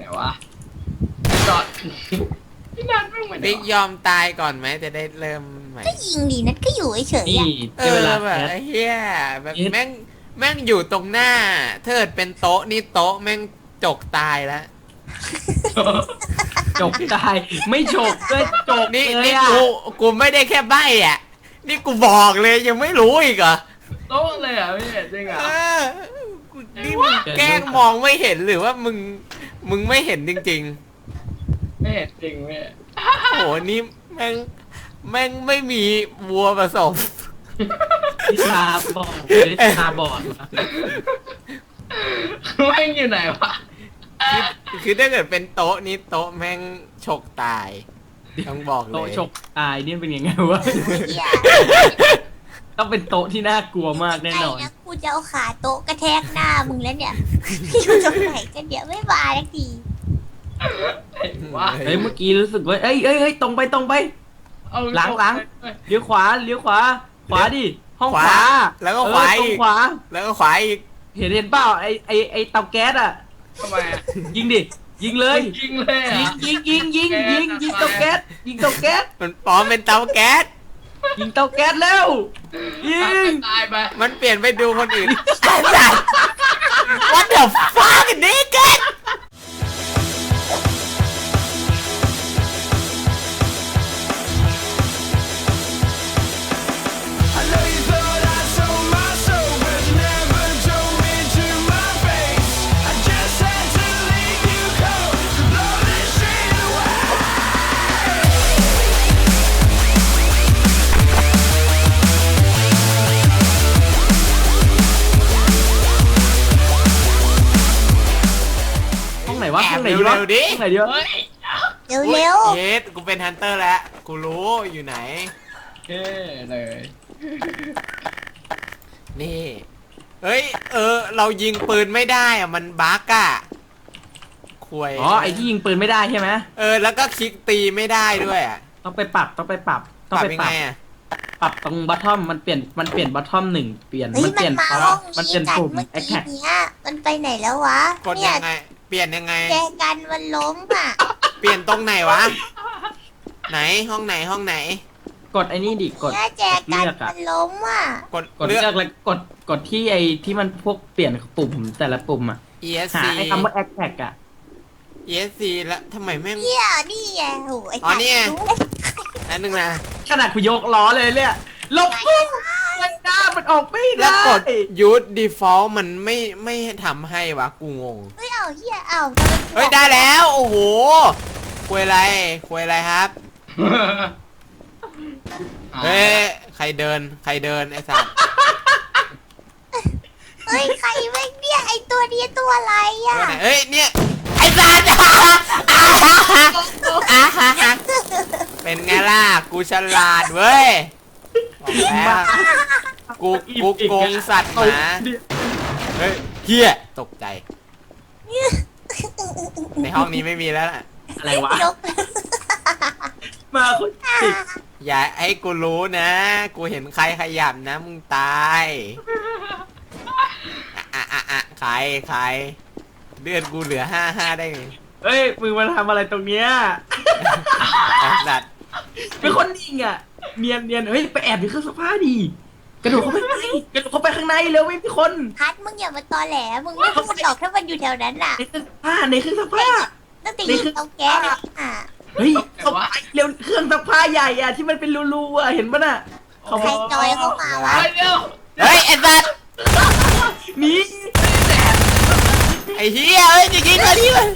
ไหนวะจอดพี่นันไม่เหมือนบิ๊กยอมตายก่อนไหมจะได้เริ่มใหม่ก็ยิงดีนัดก็อยู่เฉยๆนี่อะได้เวลาแบบแคสไอ้เหี้ยแบบเอ็ดแม่งอยู่ตรงหน้าเทิดเป็นโต๊ะนี่โต๊ะแม่งจกตายแล้วจกตายไม่ฉกด้วยจกนี่เลยนี่อ่ะกูไม่ได้แค่ใบ้อ่ะนี่กูบอกเลยยังไม่รู้อีกเหรอโต๊ะเลยอ่ะพี่จริงอ่ะเออนี่มึงแกล้งมองไม่เห็นหรือว่ามึงไม่เห็นจริงไม่เห็นจริงพี่ๆโหนี่แม่งไม่มีวัวผสมพิชาบอกพิชาบอดมาแม่งอยู่ไหนวะคือถ้าเกิดเป็นโต๊ะนี้โต๊ะแม่งฉกตายต้องบอกเลโต๊ะยฉกตายนี่เป็นยังไงวะเหี้ยต้องเป็นโต๊ะที่น่ากลัวมากแน่นอนไงนะกูจะเอาขาโต๊ะกระแทกหน้ามึงแล้วเนี่ยอยู่ตรงไหนกันเดี๋ยวไม่มาสักทีไหนวะเฮ้ยเมื่อกี้รู้สึกว่าเอ้ยตรงไปเอาหลัง เลี้ยวขวาขวาดิห้องขวาแล้วก็ขวาตรอีงกขวาแล้วก็ขวาอีกเห็นเปล่าไอเตาแก๊สอ่ะทำไมอ่ะยิงดิยิงเลยยิงเลยอ่ะยิงเตาแก๊สยิงเตาแก๊สมันปลอมเป็นเตาแก๊สยิงเตาแก๊สแล้วยิงตายไปมันเปลี่ยนไปดูคนอื่น What the fuck nigga I know you thought I sold my soul, but you never told me to my face. I just had to leave you cold to blow this shit away. ห้องไหนวะแอบห้องไหนดีวะเร็วๆดิห้องไหนดีวะเฮ้ยเร็วเร็วเยสกูเป็นฮันเตอร์แล้ว กูรู้อยู่ไหนโอเคเลยนี่ เฮ้ย เรายิงปืนไม่ได้อะมันบั๊กอะควยอ๋อไอที่ยิงปืนไม่ได้ใช่ไหมแล้วก็คลิกตีไม่ได้ด้วยอะต้องไปปรับต้องไปปรับปรับยังไงอะปรับตรงบัตทอมมันเปลี่ยนบัตทอมหนึ่งเปลี่ยนเฮ้ยมันเปลี่ยนมาห้องมันนี้เปลี่ยนกันปุ่มเมื่อแอคกี้แท็กเนี้ยมันไปไหนแล้ววะกดเนี่ยังไง เปลี่ยนยังไงแจกันมันล้มอ่ะเปลี่ยนตรงไหนวะ ไหนห้องไหนห้องไหนกดไอ้นี่ดิกดเนี่ยแจกดกันเลือกอะมันล้มอ่ะกดกดเลือกแล้วกดที่ไอ้ที่มันพวกเปลี่ยนปุ่มแต่ละปุ่มอะ ESC หาไอ้คำว่าแอคแท็กอะ ESC แล้วทำไมแม่งเนี่ยนี่ไงโหไอ้อ๋อนี่ไงรู้นั่นนึงนะขนาดกูยกล้อเลยเนี่ยลบปุ๊บมันหน้ามันออกไม่แล้วได้กด use default มันไม่ทำให้วะกูงงเฮ้ยเอาเฮียเอาเฮ้ย ได้แล้ว โอ้โหคุยอะไรครับ เฮ้ย ใครเดินไอ้สัตว์เฮ้ยใครแม่งเนี่ยไอ้ตัวนี้ตัวอะไรอ่ะตัวไหนเฮ้ย เนี่ย ไอ้สัตว์ เป็นไงล่ะ กูฉลาดเว้ยบอกแล้วกูโกงสัตว์หมาเฮ้ยเฮียตกใจ ในห้องนี้ไม่มีแล้วล่ะอะไรวะยกมาคนติดอย่าให้กูรู้นะ กูเห็นใครขยับนะมึงตายใครเลือดกูเหลือ5ได้ไงเฮ้ยมึงมาทำอะไรตรงเนี้ยไอ้สัตว์เป็นคนยิงอ่ะเนียนเฮ้ยไปแอบในเครื่องซักผ้าดิกระโดดเข้าไปข้างในกระโดดเข้าไปข้างในเร็วไม่มีคนพัดมึงอย่ามาตอแหลมึงไม่พูดหรอกถ้ามันอยู่แถวนั้นน่ะในเครื่องซักผ้าตั้งแต่ยิงเตาแก๊สอ่ะเฮ้ยเข้าไปเร็วเครื่องซักผ้าใหญ่อ่ะที่มันเป็นรูๆอ่ะเห็นปะน่ะเขาใครจอยเข้ามาวะเฮ้ยเดี๋ยวเฮ้ยไอ้สัตว์หนีไอ้เฮียเฮ้ยจะยิงมาที่มัน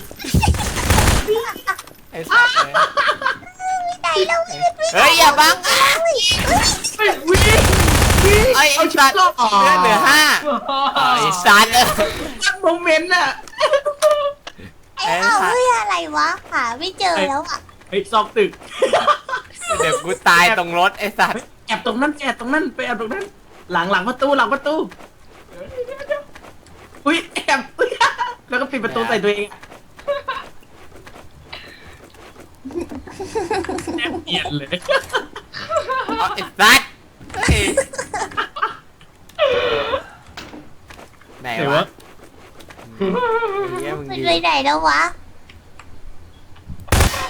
ไอ้สัตว์ไม่ได้แล้วไม่ได้เฮ้ยอย่าบังอ่ะไปวิ่งไอ้เอาชุสัดตว์รอดเลือดเหลือ5ไอ้สัตว์ตั้งโมเมนต์อ่ะไอ้เอาเฮ้ยอะไรวะหาไม่เจอแล้วอ่ะเฮ้ยซอกตึกเดี๋ยวกูตายตรงรถไอ้สัตว์แอบตรงนั้นไปแอบตรงนั้นหลังประตูอุ้ยแอบอุ๊ยแล้วก็ปิดประตูใส่ตัวเองแอบเปลี่ยนเลยเอาไอ้สัตว์เฮ้ยไหนวะเฮียมึงมันยิงไปไหนแล้ววะ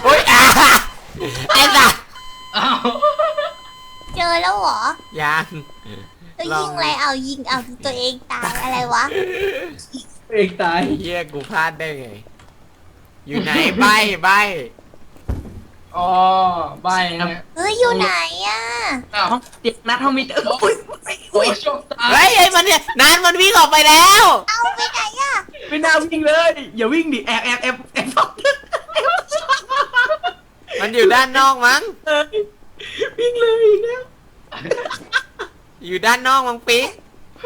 โอ้ยไอ้สัสอ้าวเจอแล้วเหรอยังก็ยิงอะไรเอายิงเอาตัวเองตายอะไรวะเองตายเฮียกูพลาดได้ไง อยู่ไหนใบอ๋อใบเนี่ยเฮ้ยอยู่ไหนอ่ะอ้าวห้องเด็กนัดห้องมิเตอร์โอ้ยโอ้ยโชคตาเฮ้ยไอ้มันเนี่ยนานมันวิ่งออกไปแล้วเอาไปไหนอ่ะไม่น่าวิ่งเลยอย่าวิ่งดิแอบมันอยู่ด้านนอกมั้งวิ่งเลยอีกแล้วอยู่ด้านนอกมั้งปิ๊ก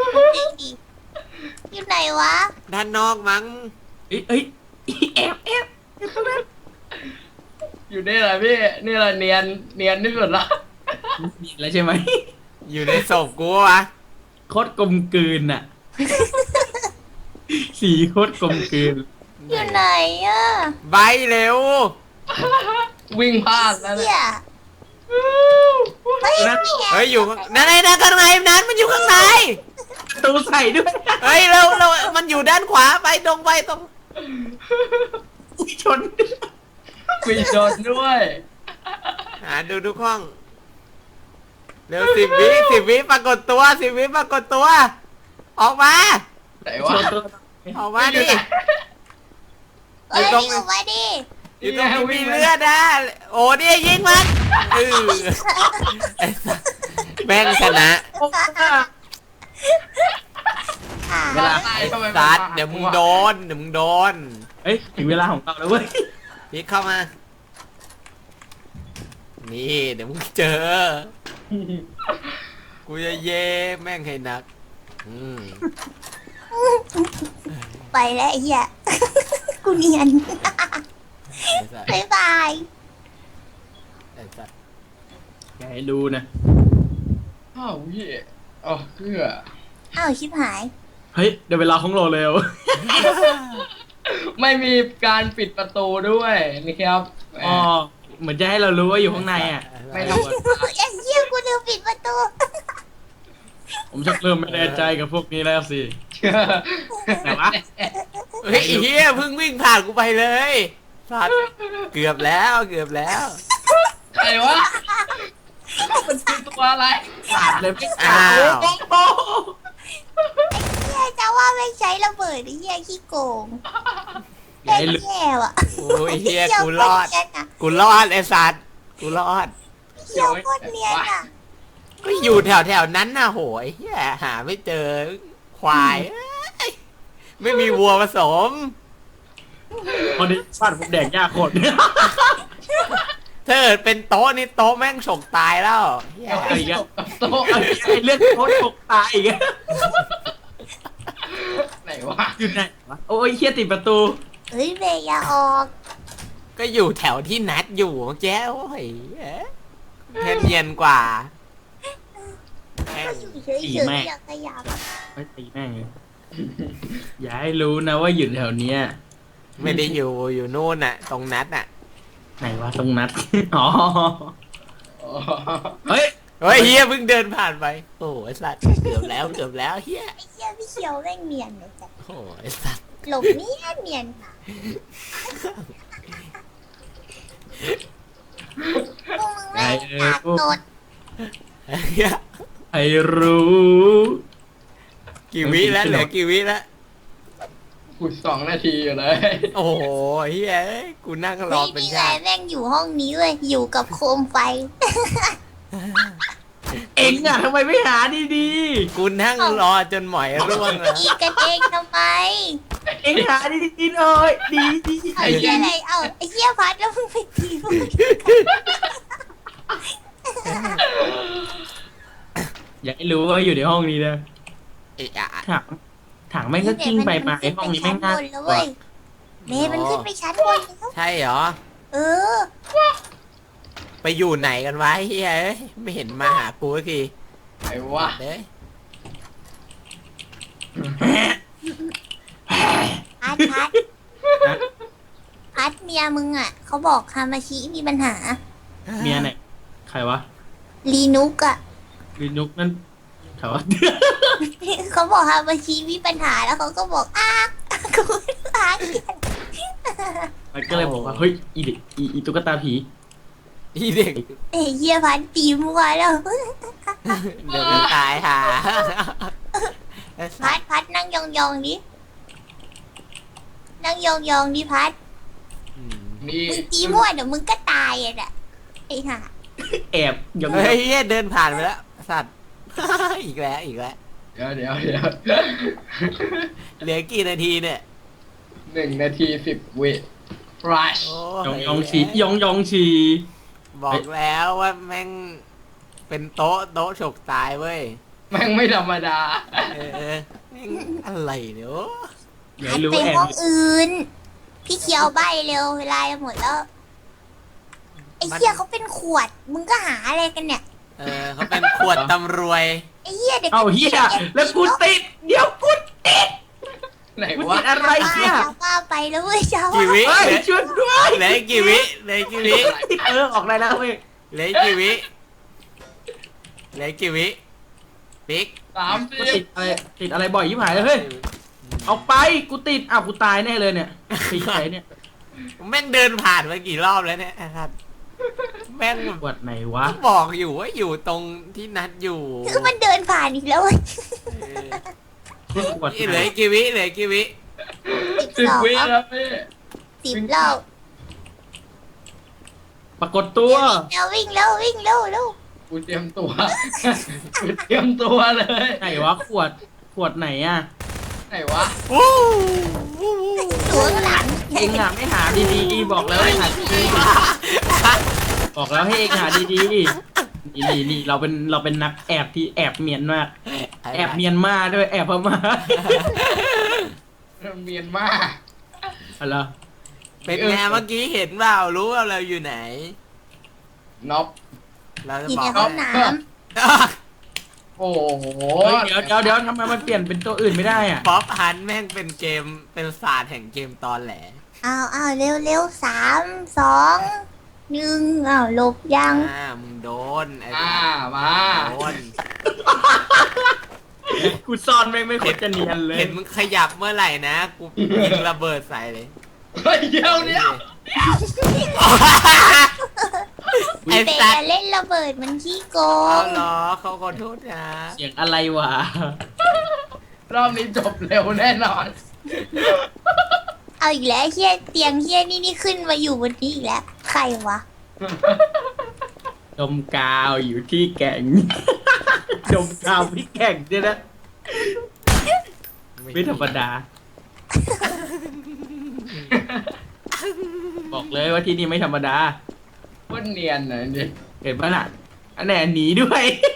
อยู่ไหนวะด้านนอกมั้งเอ้ยแอบตรงนั้นอยู่นี่แหละพี่นี่แหละเนียนที่สุดละมีแล้วใช่ไหมอยู่ในศพกูวะโคตรกลมกลืนอ่ะ สีโคตรกลมกลืนอยู่ไหนอ่ะใบเร็ววิ่งพลาดแล้วเฮีเนี่ยยเฮ้ยเฮ้ยอยู่นั่นไงนั่นข้างในนั้นมันอยู่ข้างในประตูใส่ด้วยเฮ้ยเร็วมันอยู่ด้านขวาไปตรงอุ๊ยชนมีโดนด้วยหาดูทุกห้อง เร็ว10 วิปรากฏตัว10 วิปรากฏตัว ออกมาไหนชวะนตัวออกมาดิเฮ้ยอยู่ตรงอยู่มาดิอยู่ตรงที่มีเลือดนะโอ้เนี่ยยิงมันไอ้สัสแม่งชนะอ่าเวลาตายทำไมสัสเดี๋ยวมึงโดนเอ้ยถึงเวลาของเราแล้วเว้ยพี่เข้ามา นี่เดี๋ยวมึงเจอ กูจะเย่แม่งให้หนักไปแล้วไอ้เหี้ย กูเนียนไอ้สัสบ๊ายบายไอ้สัสอย่าให้รู้นะอ้าวพี่อ๋อเพื่ออ้าวชิบหายเฮ้ยเดี๋ยวเวลาของเราแล้วไม่มีการปิดประตูด้วยนี่ครับแหมอ๋อเหมือนจะให้เรารู้ว่าอยู่ข้างในอ่ะไม่รู้ไอ้เหี้ยกูลืมปิดประตูผมชักเริ่มไม่แน่ใจกับพวกนี้แล้วสิ ไหนวะเฮ้ยไอ้เฮียเพิ่งวิ่งผ่านกูไปเลยสัสเกือบแล้วใครวะมันคือตัวอะไรขาดเลยไม่อ้าวโอ้โหเหี้ยจะว่าไม่ใช้ระเบิดไอ้เหี้ยขี้โกงอย่าแค่ให้รู้แย่ว่ะโอ้ยเฮียกูรอดเหี้ยโคตรเนียนอะกูรอดไอ้สัสกูรอดเหี้ยโคตรเนียนอ่ะก็อยู่แถวนั้นน่ะโหยเฮียหาไม่เจอควายเอ้ยไม่มีวัวผสมคนนี้ฟาดผมแดกยากโคตรถ้าเกิดเป็นโต๊ะนี่โต๊ะแม่งฉกตายแล้วเฮียเอาอีกแล้วโต๊ะไอ้เรื่องโคตรตกตายอีกแล้วไหนวะอยู่ไหนวะโอ้ยเฮียติดประตูเฮ้ยเบย์อย่าออกก็อยู่แถวที่นัดอยู่เมื่อกี้โอ้ยเฮ็ดเนียนกว่าแม่งอยู่เฉยๆอย่าขยับไม่ตีแม่งเลยอย่าให้รู้นะว่าอยู่แถวเนี้ยไม่ได้อยู่นู่นน่ะ ตรงนัดน่ะไหนวะตรงนัด อ๋ออ๋อเฮ้ยเฮ้ยเฮียเพิ่งเดินผ่านไปโอ้ยสัตว์เกือบแล้วเฮียไอ้เหี้ยพี่เขียวแม่งเนียนเลยจ้ะโอ้ยสัตว์หลบเนียนค่ะพวกมึงแม่งปากโตดเหี้ยไอ้รู้กี่วิแล้วเหลือกี่วิแล้วกู2 นาทีอยู่เลยโอ้โหเฮียเอ้ยกูนั่งรอไม่เป็นมีไงชาติแม่งอยู่ห้องนี้เลยอยู่กับโคมไฟเอ็งอะทำไมไม่หาดีกูนั่งรอจนหมอยร่วงแล้วอีกันเองทำไมๆเอ็งหาดีๆหน่อยดีเอาไอ้เหี้ยอะไรเอาไอ้เหี้ยพัดแล้วมึงไปตีมึงอยากให้รู้ว่าอยู่ในห้องนี้นะเอะอะถังแม่งก็กิ้งไปมาไอ้ห้องนี้แม่งน่าขึ้ไปชั้นบนแล้วเว้ยเมย์มันขึ้นไปชั้นบนแล้วใช่เหรอเออไปอยู่ไหนกันวะเฮียเอ้ยไม่เห็นมาหากูสักทีไหนวะเด้ยพัดเมียมึงอ่ะเขาบอกฮามาชิมีปัญหาเมียไหนใครวะลีนุกอ่ะลินุกนั่นใครวะเขาบอกฮามาชิมีปัญหาแล้วเขาก็บอกอ้ากูอ้าเขียนไอ้มันก็เลยบอกว่าเฮ้ยอีตุ๊กตาผีอีเด็กเอ้ยเฮียพันตีมัวแล้วเดี๋ยวก็ตายห่าพัดนั่งยองๆดินั่งยองๆดิพัดอืมนี่มึงตีมั่วเดี๋ยวมึงก็ตายอ่ะน่ะไอ้ห่าแอบยังเฮ้ยเหี้ยเดินผ่านไปแล้วสัตว์ อีกแล้วเดี๋ยวเหลือกี่นาทีเนี่ย 1 นาที 10 วิฟลัชโอ้ยองฉียองฉีบอกแล้วว่าแม่งเป็นโต๊ะฉกตายเว้ยแม่งไม่ธรรมดาแม่งอะไรเนี่ยโอ้อย่าพัดให้รู้ไปแอบห้องอื่น พี่เคียวใบเร็วเวลาจะหมดแล้ว ไอ้เฮียเขาเป็นขวด มึงก็หาอะไรกันเนี่ยเขาเป็นขวดตำรวยไอ้เฮียเด็กเอาเฮียแล้วกูติดเดี๋ยวกูติดไหนกูวะติดอะไรป้าเนี่ยเจ้าป้าไปแล้วเว้ยเจ้ากี่วิเฮ้ยช่วยด้วยเหลือกี่วิเหลือกี่วิติดออกได้แล้วเว้ยเหลือกี่วิเหลือกี่วิปิ๊กกูติดอะไรบ่อยยิ่งหายเลยเฮ้ยเอาไปกูติดอ้าวกูตายแน่เลยเนี่ยตีใครเนี่ยแม่งเดินผ่านมากี่รอบแล้วเนี่ยครับแม่งปวดไหนวะก็บอกอยู่ว่าอยู่ตรงที่นัดอยู่คือมันเดินผ่านอีกแล้วเว้ยปวดเหไหนลือกี่วิเหลือกี่วิ 10 วิแล้วพี่ 10แล้วปรากฏตัววิ่งแล้ววิ่งแล้วกูเตรียมตัว กูเตรียมตัวเลยไหนวะขวดไหนอ่ะไหนวะวู้ตัวหลังเองอ่ะไม่หาดีๆบอกแล้วให้หาดีๆบอกแล้วให้เองหาดีๆนี่เราเป็นนักแอบที่แอบเมียนมากแอบเมียนมาด้วยแอบพม่าเมียนมาอะไรเป็นไงเมื่อกี้เห็นเปล่ารู้ว่าเราอยู่ไหนน็อปเราจะอยู่บอในกห้องน้โอ้โหเฮ้ยเดี๋ยวทำไมมันเปลี่ยนเป็นตัวอื่นไม่ได้อ่ะป๊อปฮันแม่งเป็นเกมเป็นศาสตร์แห่งเกมตอนแหลำเอาเร็ว3 2 1หลบยังมึงโดนไอ้มาโดนกูซ่อนไม่ควรจะเนียนเลยเห็นมึงขยับเมื่อไหร่นะกูยิงระเบิดใส่เลยเฮ้ยเดี๋ยวไอ้เตะสัตว์เล่นระเบิดมันขี้โกเอางเหรอเขาขอโทษนะเสียงอะไรวะรอบนี้จบเร็วแน่นอนเอาอีกแล้วเฮียเตียงเฮียนี่ขึ้นมาอยู่บนนี้อีกแล้ว ใครวะดมกาวอยู่ที่แก่ง ดมกาวที่แก่งเนี่ยนะไม่ธรรมดา บอกเลยว่าที่นี่ไม่ธรรมดาโคตรเนียนนะนี่เห็นปะน่ะอันไหนหนีด้วย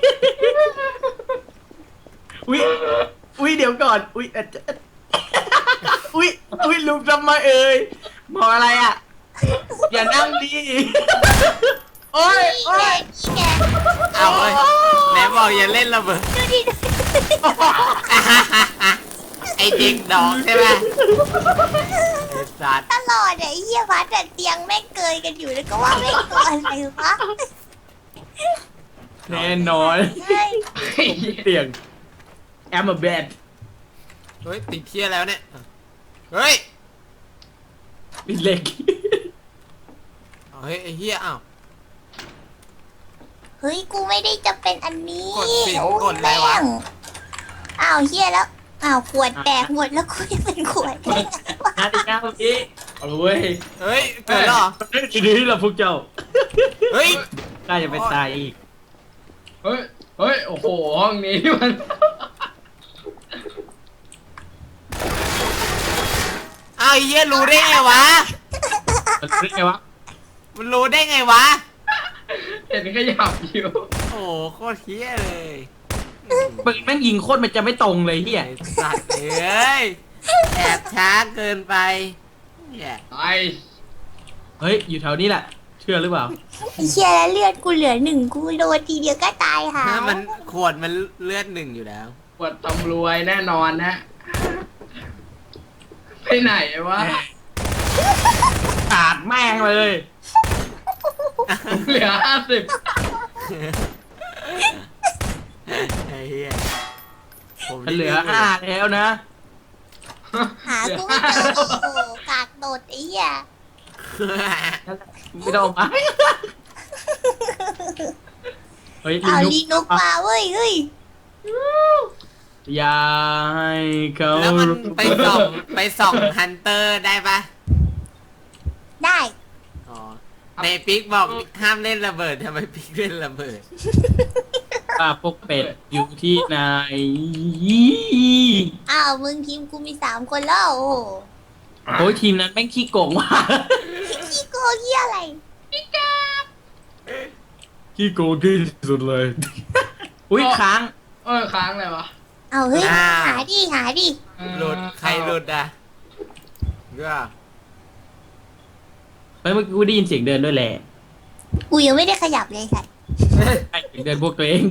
อุ้ยเดี๋ยวก่อนอุ้ยอุ้ยลุกทำไมเอ่ยมองอะไรอ่ะ อย่านั่งดิโอ้ยนี่แกเอาเว้ยไหนบอกอย่าเล่นระเบิดดูดิไอ้เด็กดอกใช่ไหมไอ้สัตว์ตลอดไอ้เฮียพัดเตียงแม่งเกยกันอยู่แล้วก็ว่าแม่งตัวอะไรวะแน่นอนเฮ้ยผมติดเตียง I'm a bad เฮ้ยติดเที่ยแล้วเนี่ยเฮ้ยติดเหล็กเฮ้ยไอ้เหี้ยอ้าวเฮ้ยกูไม่ได้จะเป็นอันนี้กดสิโอ้ยกดอะไรวะแม่งอ้าวเฮียแล้วอ้าวขวดแตกหมดแล้วกูจะเป็นขวดได้ไงวะนาฬิกาเมื่อกี้เอาเลยเว้ยเฮ้ยเกิดแล้วเหรอทีนี้เราพวกเจ้าเฮ้ยน่าจะไปตายอีกเฮ้ยโอ้โหห้องนี้มันอ้าวไอ้เหี้ยรู้ได้ไงวะมันเรียกไงวะมันรู้ได้ไงวะเห็นก็หยับอยู่โอ้โหโคตรเหี้ยเลยปืนแม่งยิงโคตรมันจะไม่ตรงเลยเฮียไอ้สัตว์เอ้ยแอบช้าเกินไปเนี่ยไอ้เฮ้ยอยู่แถวนี้แหละ เชื่อหรือเปล่าไอ้เชี่ยแล้วเลือดกูเหลือ1กูโดนทีเดียวก็ตายหาถ้ามันขวดมันเลือด1อยู่แล้วปวดตำรวยแน่นอนนะ ไปไหนวะขาดแม่งเลยเหลือไอ้เหี้ยผมมันเหลือ5แล้วนะหากูไม่เจอโอ้โหกากโดดไอ้เหี้ยไม่ต้องมาเฮ้ยเอาลีนุกมาเว้ยเฮ้ยอย่าให้เขาแล้วมันไปส่องฮันเตอร์ได้ปะได้อ๋อในปิ๊กบอกห้ามเล่นระเบิดทำไมปิ๊กเล่นระเบิดว่าพวกเป็ดอยู่ที่ไหนอ้าวมึงทีมกูมี3 คนแล้วโอ้โหโอ้ยทีมนั้นแม่งขี้โกงว่ะขี้โกงเหี้ยอะไรขี้โกงที่สุดเลย อุ้ยค้างค้างเลยวะเอาเฮ้ยอ้าวหาดิหาดิหลุดใครหลุดอ่ะก็เฮ้ยเมื่อกี้กูได้ยินเสียงเดินด้วยแหละกูยังไม่ได้ขยับเลยค่ะเสียงเดินพวกตัวเอง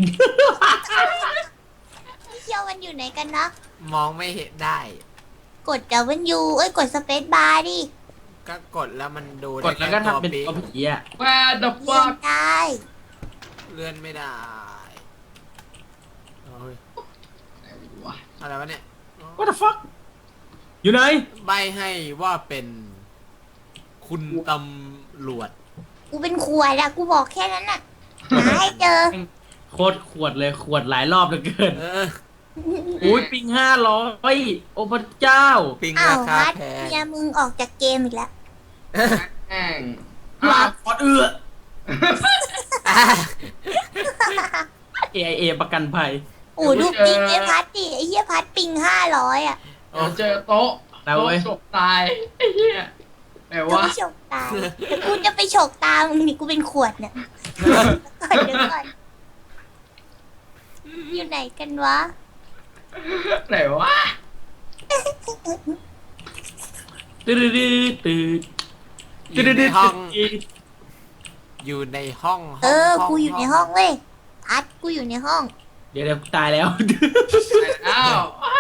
พี่เคียวมันอยู่ไหนกันนะมองไม่เห็นได้กดดับเบิลยูเอ้ยกดสเปซบาร์ดิก็กดแล้วมันดูกดแล้วก็ได้ทำเป็นแค่ตัวผีอ่ะแวร์ดับเลื่ฟัอนกได้เลื่อนไม่ได้โอ้ยอะไรวะเนี่ย What the fuck อยู่ไหนใบให้ว่าเป็นคุณตำรวจกูเป็นขวดอะกูบอกแค่นั้นน่ะหาให้เจอโคตรขวดเลยขวดหลายรอบเหลือเกินเอออุ้ยปิง500โอ้พระเจ้าปิงอ้าราว คาฮัทแพงเมียมึงออกจากเกมอีกแล้วแม่งลาขอดAIA ประกันภัยโอ้ดูปิงไอ้พัดดิไอ้เหี้ยพัดปิง500อะเดี๋ยวเจอโต๊ะแล้วเว้ยโต๊ะฉกตายไอ้เหี้ยแต่กูว่าไปฉกตาแต่กูจะไปฉกตามึงนี่กูเป็นขวดเนี่ยก่อนเดี๋ยวก่อนอยู่ไหนกันวะไหนวะตื่นตื่นตื่นอยู่ในห้อง อยู่ในห้องเออ กูอยู่ในห้องเว้ยพัดกูอยู่ในห้องเดี๋ยวตายแล้วอ้าว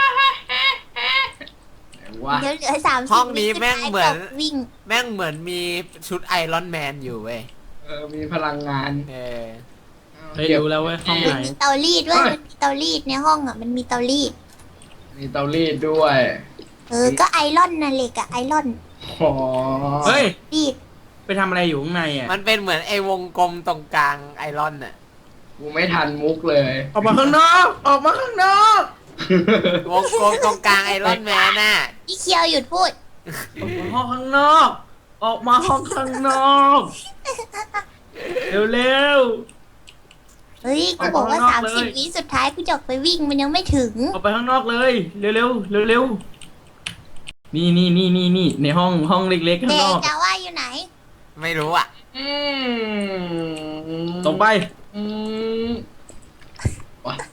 ไหนวะเดี๋ยวเหลือ30 ห้องนี้แม่งเหมือนวิ่งแม่งเหมือนมีชุดไอรอนแมนอยู่เว้ยมีพลังงานเออเฮ้ยรู้แล้วเว้ยห้องไหนมีเตารีดเว้ยมันมีเตารีดในห้องอ่ะมันมีเตารีดมีเตารีดด้วยก็ไอรอนน่ะเหล็กอะไอรอนอ๋อเฮ้ยรีดไปทำอะไรอยู่ข้างในอ่ะมันเป็นเหมือนไอวงกลมตรงกลางไอรอนน่ะกูไม่ทันมุกเลยออกมาข้างนอกออกมาข้างนอกวงกลมตรงกลางไอรอนแมนน่ะพี่เคียวหยุดพูดออกมาห้องข้างนอก ออกมาห้องข้างนอกเร็วเฮ้ยกูบอกว่าออกข้างนอกเลย 30 วิสุดท้ายกูจะออกไปวิ่งมันยังไม่ถึงๆออกไปข้างนอกเลยเร็วๆเร็วๆนี่ในห้องเล็กๆข้างเด็นกอกจะว่าอยู่ไหนไม่รู้อ่ะอืมตรงไปอืมวะ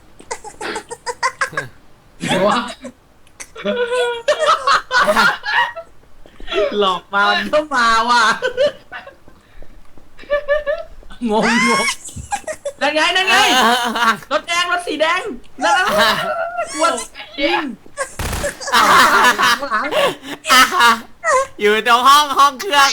ไหนวะหลอกมามันก็มาว่ะงงนั่นไงรถแดงรถสีแดงนั่นวัดยิงหลังอยู่ตรงห้องเครื่อง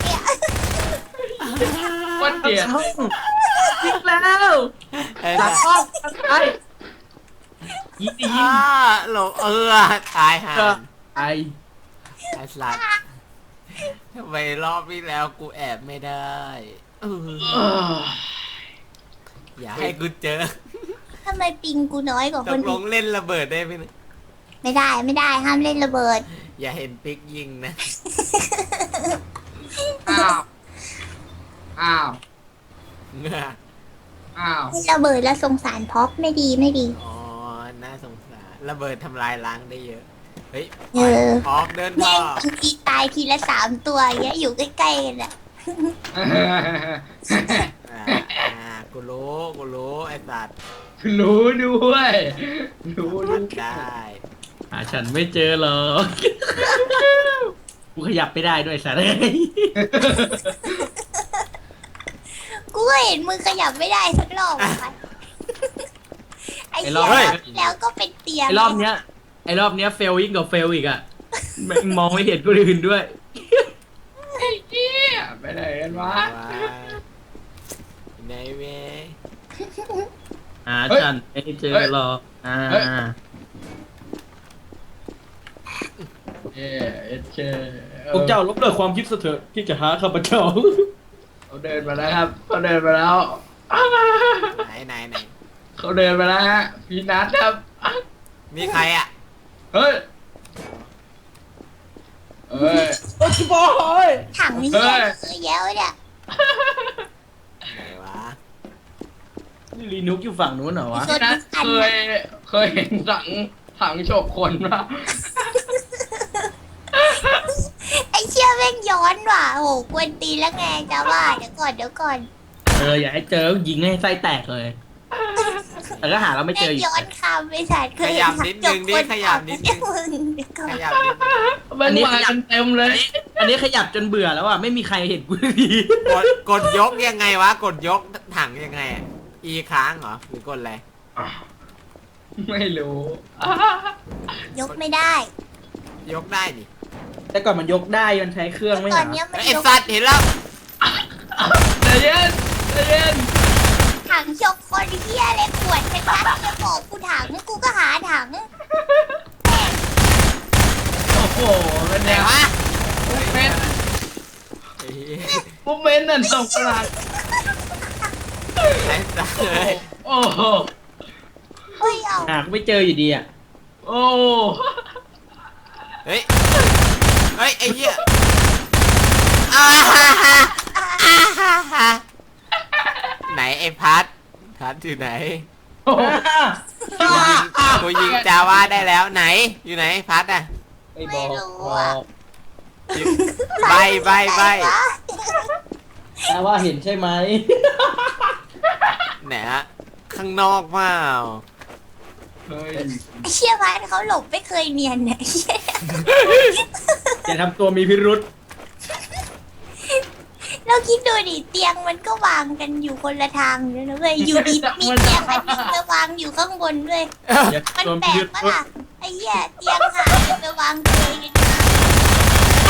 วันเดียดยิงแล้วหลังห้องไปยิงหลบตายห่าไอไอ้สัตว์ทำไมรอบที่แล้วกูแอบไม่ได้อย่าให้กูเจอทำไมปิงกูน้อยกว่าตคนกลอื่งนเล่นระเบิดได้ไหมเนี่ยไม่ได้ห้ามเล่นระเบิดอย่าเห็นปิ๊กยิงนะอ้าวอ้าวเงืออ้าวระเบิดแล้วสงสารพ็อกไม่ดีอ๋อ น่าสงสารระเบิดทำลายล้างได้เยอะ เฮ้ยเออออกเดินพ่แม่องทีตายทีละ3 ตัวอย่างเงี้ยอยู่ใกล้ๆกันอะกูรู้ไอ้สัตว์รู้ด้วยรู้ด้วยได้หาฉันไม่เจอหรอก กูขยับไม่ได้ด้วยสัตว์กูก็เห็นมึงขยับไม่ได้สักรอบอะไอ้ไอ้เหี้รยอบรอบที่แล้วก็เป็นเตียงไอรอบเนี้ยเฟลยิ่งกว่าเฟลอีกอ่ะแม่งมองไม่เห็นคนอื่นด้วยไอ้เหี้ยไปไหนกันวะในเวหาฉันไม่เจอหรอกเฮ้ยเเคพวกเจ้าลบเลิกความคิดซะเถอะที่จะหาข้าพเจ้าเขาเดินมาแล้วครับเขาเดินมาแล้วไหนเขาเดินมาแล้วฮะพี่นัทครับมีใครอ่ะเฮ้ยเอ้ยโอ้ยบอยถังนี้เยอะแยะเลยเนี่ยไหนวะนี่ลีนุกอยู่ฝั่งนู้นเหรอวะพี่นัทเคยเห็นถังโฉกคนปะไอ้เชี่ยแม่งย้อนว่ะโหกวนตีนแล้วไงจ้าว่าเดี๋ยวก่อนอย่าให้เจอยิงให้ไส้แตกเลย แต่ก็หาเราไม่เจแม่อง อีกย้อนคำไปสัตว์เคยขยับนิดนึงดิขยับนิดนึงมึงเดี๋ยวก่อนขยับนิดนึงมันมากันเต็มเลยอันนี้ขยับจนเบื่อแล้วอ่ะไม่มีใครเห็นกูดีกดยกยังไงวะ กดยกถังยังไงอะ E ค้างเหรอ หรือกดอะไรไม่รู้ยกไม่ได้ยกได้ดิแต่ก่อนมันยกได้มันใช้เครื่องไม่ตเหอรนอเนี้ยมันไอ้ยกสัตว์เห็นแล้วใจเย็นใจเย็นถังชกคนเฮียอะไรขวดชัดๆจะบอกกูถังกูก็หาถังโอ้โหเป็นไหนไงวะปุ๊บเมนไอ้เหี้ยปุ๊บเมนนั่นส่งประหลาดไอ้สัตว์เลยโอ้โหเฮ้ยเอาหาไม่เจออยู่ดีอ่ะโอ้เฮ้ย เฮ้ย ไอ้เหี้ยอ่าฮ่าฮ่าอ่าฮ่าฮ่าไหนไอ้พัดอยู่ไหนโหกูยิงจาว่าได้แล้วไหน อยู่ไหนพัดอ่ะไม่บไม่อกรู้บอ่ะอกใบไหนวะแต่ว่าเห็นใช่ไหมไหนฮะข้างนอกเปล่าเฮ้ยไอ้เชี่ยพันเขาหลบไม่เคยเนียนเนี่ยไอ้เชี่ยอย่าทำตัวมีพิรุษเราคิดดูดิเตียงมันก็วางกันอยู่คนละทางเลยนะเว้ยอยู่ดีมีเตียงอันนึงไปวางอยู่ข้างบนด้วยอย่ามันทำตัวแปมีลพิกรุษปะล่ะไอ้เหี้ยเตียงหายไปวางเกยกันมา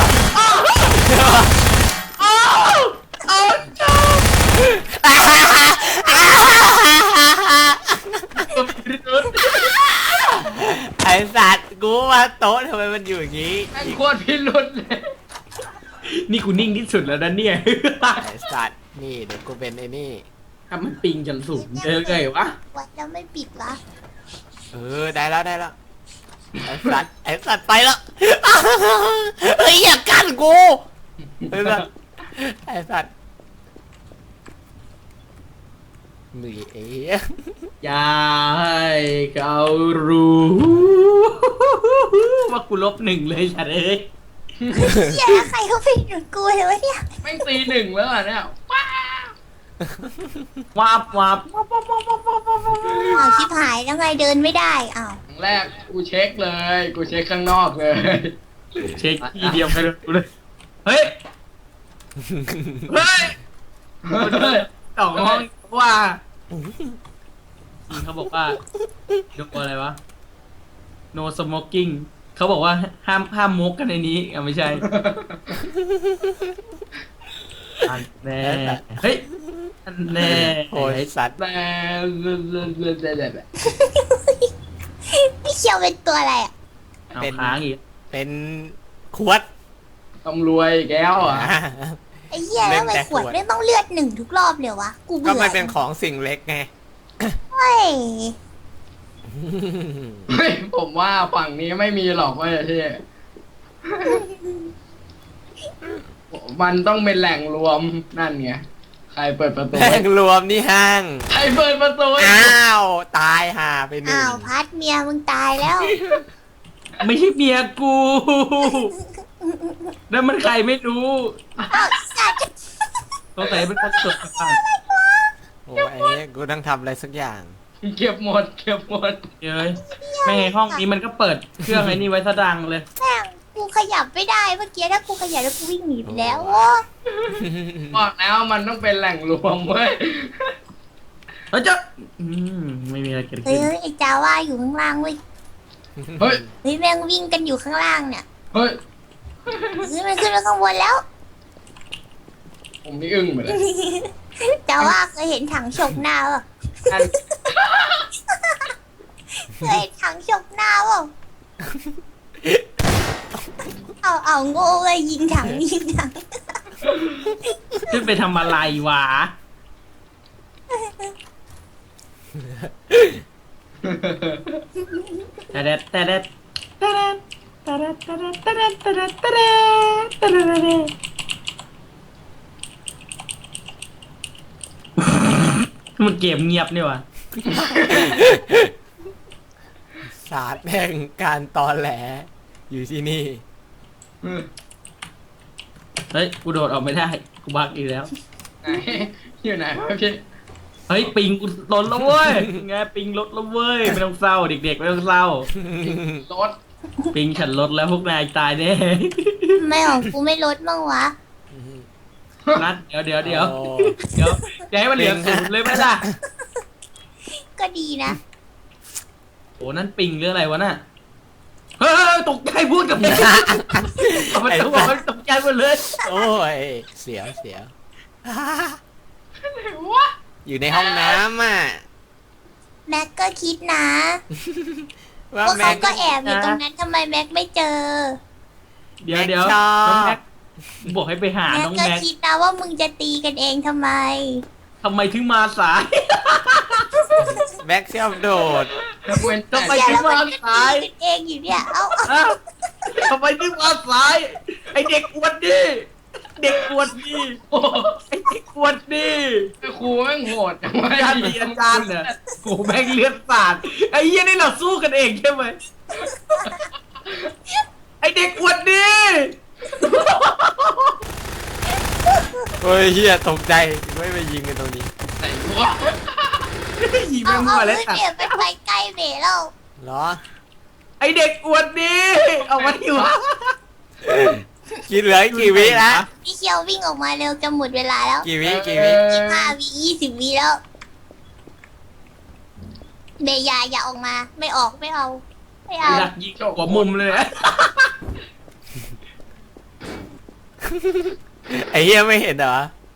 ตัวมีพิรุษไอ้สัตว์กูว่าโต๊ะทำไมมันอยู่อย่างนี้แม่งโคตรพิรุษเลยนี่กูนิ่งที่สุดแล้วนะเนี่ยไอ้สัตว์นี่เดี๋ยวกูเป็นไอ้นี่ถ้ามันปิงจนสูงเจอไงวะวัดแล้วไม่ปิดวะได้แล้วไอ้สัตว์ไปแล้วเฮ้ยอย่ากั้นกูไอ้สัตว์มีเอ๋อย่าให้เขารู้ ว่ากู-1เลยฉันเอ้ยเหี้ยแล้วใครเขาไปหยุดกูเลยวะเนี่ยแม่งตีหนึ่งแล้วอ่ะเนี่ยวับวับอ้าวชิบหายแล้วไงเดินไม่ได้อ้าวครั้งแรกกูเช็คเลย กูเช็คข้างนอกเลยเช็คทีเดียวไปเลยเฮ้ย เฮ้ยเฮ้ยสองห้องว่าเขาบอกว่าดูอะไรวะ no smoking เขาบอกว่าห้ามมุกกันในนี้อ่ะไม่ใช่อันแน่เฮ้ยอันแน่โอ้ยสัตว์แต่พี่เขียวเป็นตัวอะไรอ่ะเอาค้างอีกเป็นขวดต้องรวยแก้วอ่ะไอ้เหี้ยแล้วทำไมขวดไม่ต้องเลือด1ทุกรอบเลยวะกูก็เบื่อมันเป็นของสิ่งเล็กไงเฮ้ยเฮ้ยผมว่าฝั่งนี้ไม่มีหรอกเว้ยพี่มันต้องเป็นแหล่งรวมนั่นไง ใครเปิดประตูแห่งรวมนี่ห้างใครเปิดประตูอ้าว ตายห่าไปหนึ่งอ้าวพัดเมียมึงตายแล้วไม่ใช่เมียกูแล้วมันใครไม่รู้อ้าวสัตว์สงสัยเป็นคนสดผ่านโอ้ยไอ้เนี่ยกูต้องทำอะไรสักอย่างเก็บหมดเก็บหมดเย้ยไม่ไงห้องนี้มันก็เปิดเครื่องไอ้นี่ไว้ซะดังเลยแม่งกูขยับไม่ได้เมื่อกี้ถ้ากูขยับแล้วกูวิ่งหนีไปแล้วโอ้บอกแล้วมันต้องเป็นแหล่งรวมเว้ยแล้วจะไม่มีอะไรเกิดเฮ้ขึ้ยนไอ้จาว่าอยู่ข้างล่างเว้ยเฮ้ยเฮ้ยแม่งวิ่งกันอยู่ข้างล่างเนี่ยเฮ้ยเฮ้ยมันขึ้นมาข้างบนแล้วผมนี่อึ้งไปเลยจาว่าเคยเห็นถังฉกหน้าป่ะอันเคยเห็นถังฉกหน้าป่ะเอาโง่เลยยิงถังยิงถังขึ้นไปทำอะไรวะแต่เด็ดแต่เด็ดแต่เด็ดแต่เด็ดแต่เด็ดแต่เด็ดแต่เด็ดแต่เด็ดแต่เด็ดแต่เด็ดมันเกมเงียบนี่วะศาสตร์แห่งการตอแหล อยู่ที่นี่เฮ้ยกูโดดออกไม่ได้กูบักอีกแล้วไหนอยู่ไหนวะพี่เฮ้ยปิงกูลดแล้วเว้ยไงปิงลดแล้วเว้ยไม่ต้องเศร้าเด็กๆไม่ต้องเศร้ารถปิงฉันลดแล้วพวกนายตายแน่ไม่ของกูไม่ลดบ้างวะนัดเดี๋ยวโอ้จะให้มันเหลือศูนย์เลยไหมล่ะก็ดีนะโอ้นั่นปิงหรืออะไรวะน่ะเฮ้ยตกใจพูดกับมึงเอามันต้องบอกให้ตกใจหมดเลยโอ้ย เสียวไหนวะอยู่ในห้องน้ำอ่ะแม็กก็คิดนะว่าว่าแม็เขากก็แอบอยู่ตรงนั้นทำไมแม็กไม่เจอเดี๋ยวแม็กชอบน้องแม็กบอกให้ไปหาแม็กน้องก็แม็กคิดนะว่ามึงจะตีกันเองทำไมทำไมถึงมาสายแม็กชอบโดดเว้นแต่ทำไมเดี๋ยวถึงแล้วมามันก็สายตีกันเองอยู่เนี่ย เอ้าอ้าวทำไมถึงมาสายไอเด็กอวดดีเด็กอวดดีโอ้โหไอเด็กอวดดีครูแม่งโหดจังวะอาจารย์ดีอาจารย์เนี่ยโอ้แม่งเลือดสาดไอ้เหี้ยนี่เราสู้กันเองใช่ไหมไอเด็กอวดดีโอ้ยเฮียตกใจไม่ไปยิงกันตรงนี้ไหนวะยีเอาแม่งเอามาเลแล้วยตัดเดี๋ยวไปไปใกล้เบะแล้วเหรอไอเด็กอวดดีเอามาที่วะกินเหลืออีกกี่วิละพี่เคียววิ่งออกมาเร็วจะหมดเวลาแล้วกี่วิ 15 วิ 20 วิแล้ว เบยาอย่าออกมา ไม่ออกไม่เอา ไม่เอาหลักยิงกว่ามุมเลยนะไอ้เฮียไม่เห็นเหรอ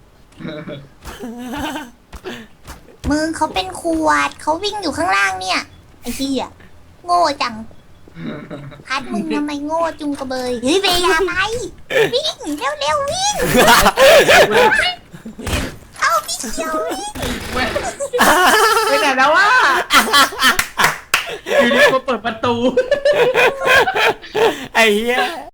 มึงเขาเป็นขวดเขาวิ่งอยู่ข้างล่างเนี่ย ไอ้เหี้ยโง่จัง พัดมึงทำไมโง่จุงกระเบย เฮ้ยเบยาไป วิ่งเร็วเร็ววิ่ง เอาพี่เคียววิ่งเว้นไปไหนแล้ววะอยู่ดีมาเปิดประตูไอ้เฮีย